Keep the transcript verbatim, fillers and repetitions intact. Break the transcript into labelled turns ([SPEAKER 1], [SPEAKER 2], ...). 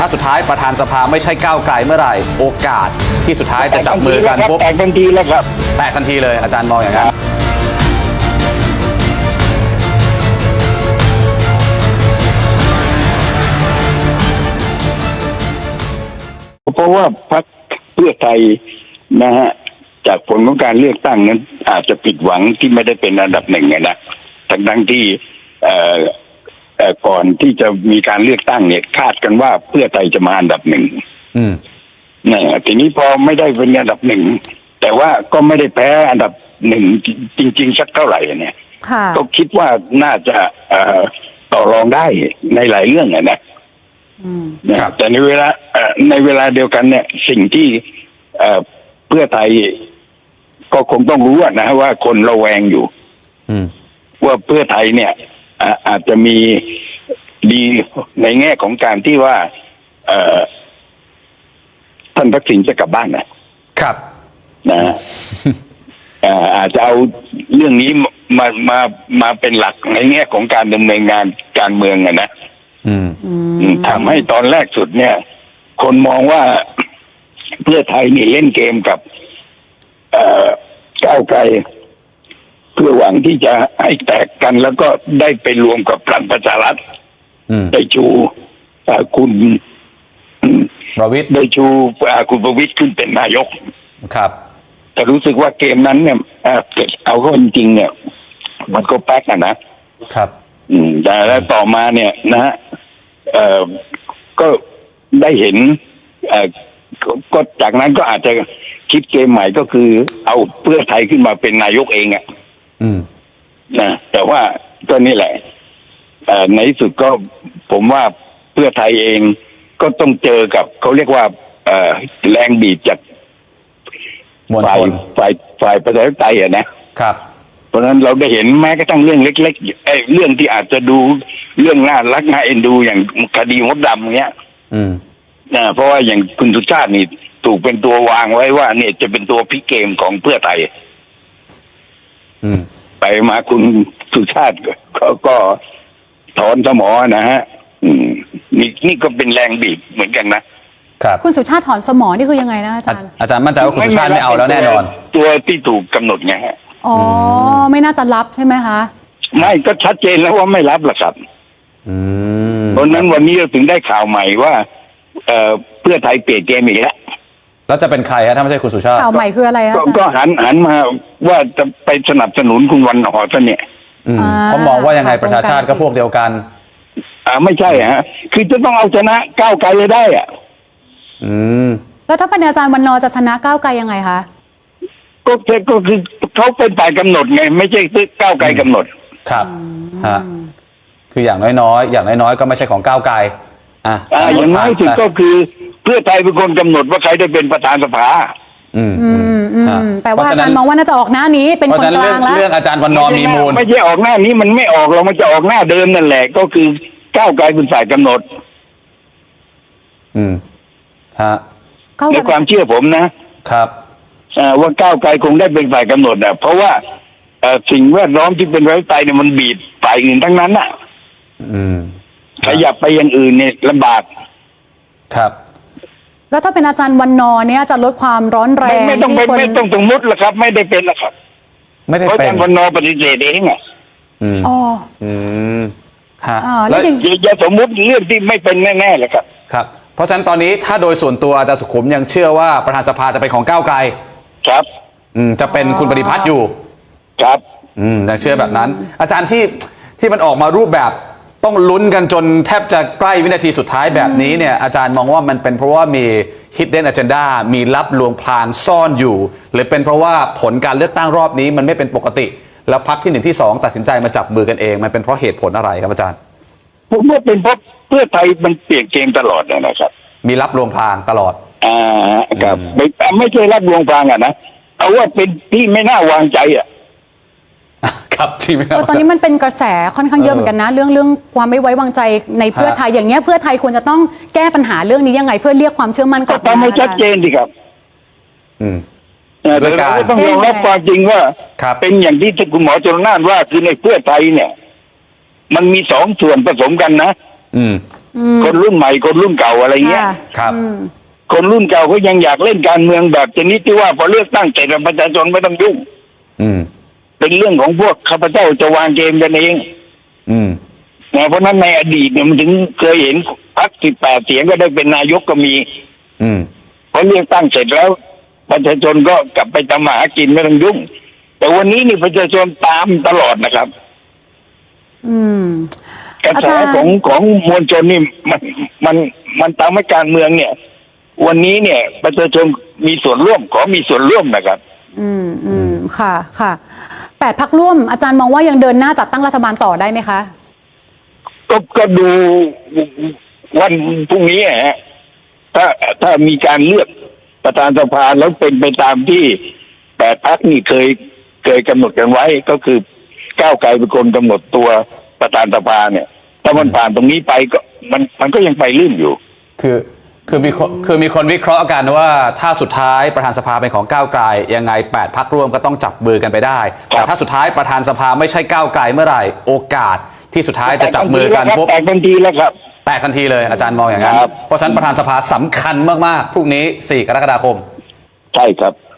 [SPEAKER 1] ถ้าสุดท้ายประธานสภาไม่ใช่ก้าวไกลเมื่อไหร่โอกาสที่สุดท้ายจะจับมือกันปุ๊บ
[SPEAKER 2] แตกทันทีแล้วครับ
[SPEAKER 1] แตกทันทีเลยอาจารย์มองอย่างนั้น
[SPEAKER 2] เพราะว่าพรรคเพื่อไทยนะฮะจากผลของการเลือกตั้งนั้นอาจจะผิดหวังที่ไม่ได้เป็นอันดับหนึ่งนะทั้งทั้งที่เอ่อเอ่อก่อนที่จะมีการเลือกตั้งเนี่ยคาดกันว่าเพื่อไทยจะมาอันดับหนึ่ง
[SPEAKER 1] อืม
[SPEAKER 2] เนี่ยทีนี้พอไม่ได้เป็นอันดับหนึ่งแต่ว่าก็ไม่ได้แพ้อันดับหนึ่งจริงๆสักเท่าไหร่เนี่ยก็คิดว่าน่าจะเอ่อต่อรองได้ในหลายเรื่องนะนะครับแต่ในเวลาในเวลาเดียวกันเนี่ยสิ่งที่เพื่อไทยก็คงต้องรู้นะว่าคนระแวงอยู่ว่าเพื่อไทยเนี่ยอาจจะมีดีในแง่ของการที่ว่าท่านทักษิณจะกลับบ้านนะครับนะอาจจะเอาเรื่องนี้มามามาเป็นหลักในแง่ของการดำเนินงานการเมืองอะนะทำให้ตอนแรกสุดเนี่ย คนมองว่าเพื่อไทยนี่เล่นเกมกับก้าวไกลเพื่อหวังที่จะให้แตกกันแล้วก็ได้ไปรวมกับพลังประชารัฐได้ชูคุณ
[SPEAKER 1] ประวิตร
[SPEAKER 2] ได้ชูคุณประวิตรขึ้นเป็นนายก
[SPEAKER 1] ครับ
[SPEAKER 2] แต่รู้สึกว่าเกมนั้นเนี่ยเกิดเอาเข้าจริงๆเนี่ยมันก็แป๊กอะนะครับอืมแต่แล้วต่อมาเนี่ยนะฮะเอ่อก็ได้เห็นเอ่อก็จากนั้นก็อาจจะคิดเกมใหม่ก็คือเอาเพื่อไทยขึ้นมาเป็นนายกเองอ่ะ
[SPEAKER 1] อืม
[SPEAKER 2] นะแต่ว่าก็นี่แหละเอ่อในที่สุดก็ผมว่าเพื่อไทยเองก็ต้องเจอกับเขาเรียกว่าเอ่อแรงบีบจากฝ่ายฝ่ายฝ่ายประชาธิปไตยอ่ะนะครับเพราะฉะนั้นเราได้เห็นแม้กระทั่งเรื่องเล็กๆไอ้เรื่องที่อาจจะดูเรื่องน่ารักน่าเอ็นดูอย่างคดีมดดำเนี้ย
[SPEAKER 1] อืม
[SPEAKER 2] นะเพราะว่าอย่างคุณสุชาตินี่ถูกเป็นตัววางไว้ว่าเนี่ยจะเป็นตัวพลิกเกมของเพื่อไทย
[SPEAKER 1] อืม
[SPEAKER 2] ไปมาคุณสุชาติก็ก็ถอนสมอนะฮะอืมนี่นี่ก็เป็นแรงบีบเหมือนกันนะครับ
[SPEAKER 3] คุณสุชาติถอนสมอนี่คือยังไงนะอาจารย์
[SPEAKER 1] อาจารย์มั่นใจว่าคุณสุชาติไม่เอาแล้วแน่นอน
[SPEAKER 2] ตัวที่ถูกกำหนดไงฮะ
[SPEAKER 3] อ๋อไม่น่าจะรับใช่ไหมคะ
[SPEAKER 2] ไม่ก็ชัดเจนแล้วว่าไม่รับหรอกครับเพราะนั้นวันนี้เราถึงได้ข่าวใหม่ว่าเอ่อเพื่อไทยเปลี่ยนเกมอีกแล้ว
[SPEAKER 1] แล้วจะเป็นใครฮะถ้าไม่ใช่คุณสุชาติ
[SPEAKER 3] ข่าวใหม่คืออะไรอะ
[SPEAKER 2] ก็หันหันมาว่าจะไปสนับสนุนคุณวันหอซะเนี่ย
[SPEAKER 1] เขามองว่ายังไงประชาชาติก็พวกเดียวกัน
[SPEAKER 2] อ่าไม่ใช่ฮะคือจะต้องเอาชนะก้าวไกลได้อ่ะ
[SPEAKER 1] อืม
[SPEAKER 3] แล้วถ้าเป็นอาจารย์วันนอจะชนะก้าวไกลยังไงคะ
[SPEAKER 2] ก็ก็คือเขาเป็นฝ่ายกำหนดไงไม่ใช่ก้าวไกลกำหนด
[SPEAKER 1] ครับฮะคืออย่างน้อยๆอย่างน้อยๆก็ไม่ใช่ของก้าวไกลอ่า
[SPEAKER 2] อย่างน้อยสุดก็คือเพื่อไทยเป็นคนกำหนดว่าใครได้เป็นประธานสภา
[SPEAKER 1] อืม
[SPEAKER 3] อืมอืมแต่ว่าอาจารย์มองว่าน่าจะออกหน้านี้เป็นคนกลางแล้ว
[SPEAKER 1] เรื่องอาจารย์วันนอมีมูล
[SPEAKER 2] ไม่ใช่ออกหน้านี้มันไม่ออกเรามันจะออกหน้าเดิมนั่นแหละก็คือก้าวไกลเป็นฝ่ายกำหนด
[SPEAKER 1] อืมฮะ
[SPEAKER 2] ในความเชื่อผมนะครับว่าก้าวไกลคงได้เป็นฝ่ายกำหนดอ่ะเพราะว่าสิ่งแวดล้อมที่เป็นประชาธิปไตยเนี่ยมันบีบฝ่ายอื่นทั้งนั้นอ่ะ
[SPEAKER 1] อืม
[SPEAKER 2] ขยับไปอย่างอื่นเนี่ยลำบาก
[SPEAKER 1] ครับ
[SPEAKER 3] แล้วถ้าเป็นอาจารย์วันนอเนี่ยจะลดความร้อนแรง
[SPEAKER 2] ไม่ต้องไม่ต้องสมมติละครับไม่ได้เป็นละครับ
[SPEAKER 1] ไม่ได้เป็น
[SPEAKER 2] อาจารย์วันนอปฏิเสธเองอ่ะ
[SPEAKER 1] อืม
[SPEAKER 3] อ๋อ
[SPEAKER 1] อืมฮะ
[SPEAKER 3] แล้ว
[SPEAKER 2] อย่าสมมติเรื่องที่ไม่เป็นแน่ๆเลยครับ
[SPEAKER 1] ครับเพราะฉะนั้นตอนนี้ถ้าโดยส่วนตัวอาจารย์สุขุมยังเชื่อว่าประธานสภาจะเป็นของก้าวไกล
[SPEAKER 2] ครับ
[SPEAKER 1] อืมจะเป็นคุณปฏิพัฒน์อยู่
[SPEAKER 2] ครับ
[SPEAKER 1] อืมยังเชื่อแบบนั้นอาจารย์ที่ที่มันออกมารูปแบบต้องลุ้นกันจนแทบจะใกล้วินาทีสุดท้ายแบบนี้เนี่ยอาจารย์มองว่ามันเป็นเพราะว่ามี hidden agenda มีลับลวงพรางซ่อนอยู่หรือเป็นเพราะว่าผลการเลือกตั้งรอบนี้มันไม่เป็นปกติแล้วพรรคที่หนึ่งที่สองตัดสินใจมาจับมือกันเองมันเป็นเพราะเหตุผลอะไรครับอาจารย์
[SPEAKER 2] ผมว่าเป็นเพราะเพื่อไทยมันเปลี่ยนเกมตลอดนะครับ
[SPEAKER 1] มีลับลวงพรางตลอด
[SPEAKER 2] อ่าครับไม่ไม่ใช่ลับลวงพรางอ่ะนะเอาว่าเป็นที่ไม่น่าวางใจอ่ะ
[SPEAKER 1] ครับที่ไม่
[SPEAKER 3] ตอนนี้มันเป็นกระแสค่อนข้างเยอะเหมือนกันนะเรื่องเรื่องความไม่ไว้วางใจในเพื่อไทยอย่างเงี้ยเพื่อไทยควรจะต้องแก้ปัญหาเรื่องนี้ยังไงเพื่อเรียกความเชื่อมั่นกลับมา
[SPEAKER 2] ก็ทำให้ชัดเจนดีครับ
[SPEAKER 1] อืม
[SPEAKER 2] แต่เราต้องยอมรับความจริงว่าเป็นอย่างที่คุณหมอชลน่านว่าคือในเพื่อไทยเนี่ยมันมีสองส่วนผสมกันนะ
[SPEAKER 1] อืม
[SPEAKER 2] คนรุ่นใหม่คนรุ่นเก่าอะไรเงี้ย
[SPEAKER 3] ค่ะ
[SPEAKER 1] ครับ
[SPEAKER 3] อืม
[SPEAKER 2] คนรุ่นเก่าก็ยังอยากเล่นการเมืองแบบชนิดที่ว่าพอเลือกตั้งเสร็จแล้วประชาชนไม่ต้องยุ่ง
[SPEAKER 1] อืม
[SPEAKER 2] เป็นเรื่องของพวกข้าพเจ้าจะวางเกมกันเอง
[SPEAKER 1] อืม
[SPEAKER 2] นะเพราะฉะนั้นในอดีตเนี่ยมันถึงเคยเห็นพรรคสิบแปดเสียงก็ได้เป็นนายกก็มี
[SPEAKER 1] อืม
[SPEAKER 2] พอเลือกตั้งเสร็จแล้ว ประชาชนก็กลับไปทำมาหากินไม่ต้องยุ่ง แต่วันนี้นี่ประชาชนตามตลอดนะครับ
[SPEAKER 3] อืม
[SPEAKER 2] กระ
[SPEAKER 3] อา
[SPEAKER 2] แส
[SPEAKER 3] จารย์
[SPEAKER 2] ของของมวลชนนี่มันมันมันตามให้การเมืองเนี่ย วันนี้เนี่ย ประชาชนมีส่วนร่วมขอมีส่วนร่วมนะครับ
[SPEAKER 3] อืมอืมค่ะค่ะแปดพักร่วมอาจารย์มองว่ายังเดินหน้าจัดตั้งรัฐบาลต่อได้ไหมคะ
[SPEAKER 2] ก็ก็ดูวันพรุ่งนี้ฮะถ้าถ้ามีการเลือกประธานสภาแล้วเป็นไปตามที่แปดพรรคนี่เคยเคยกำหนดกันไว้ ก็คือก้าวไกลเป็นคนกำหนดตัวประธานสภาเนี่ย ถ้ามันผ่านตรงนี้ไปก็มันมันก็ยังไปลื่นอยู่
[SPEAKER 1] คือคือมีคนคือมีคนวิเคราะห์กันว่าถ้าสุดท้ายประธานสภาเป็นของก้าวไกลยังไงแปดพรรคร่วมก็ต้องจับมือกันไปได้
[SPEAKER 2] ครั
[SPEAKER 1] แต่
[SPEAKER 2] บ
[SPEAKER 1] ถ้าสุดท้ายประธานสภาไม่ใช่ก้าวไกลเมื่อไหร่โอกาสที่สุดท้ายจะจับมือกันปุ๊บ
[SPEAKER 2] แตกทันทีแล้วครับ
[SPEAKER 1] แตกทันทีเลยอาจารย์มองอย่างนั้น
[SPEAKER 2] ครับ
[SPEAKER 1] เพราะฉะนั้นประธานสภาสำคัญมากๆพรุ่งนี้สี่กรกฎาคม
[SPEAKER 2] ใช่ครับ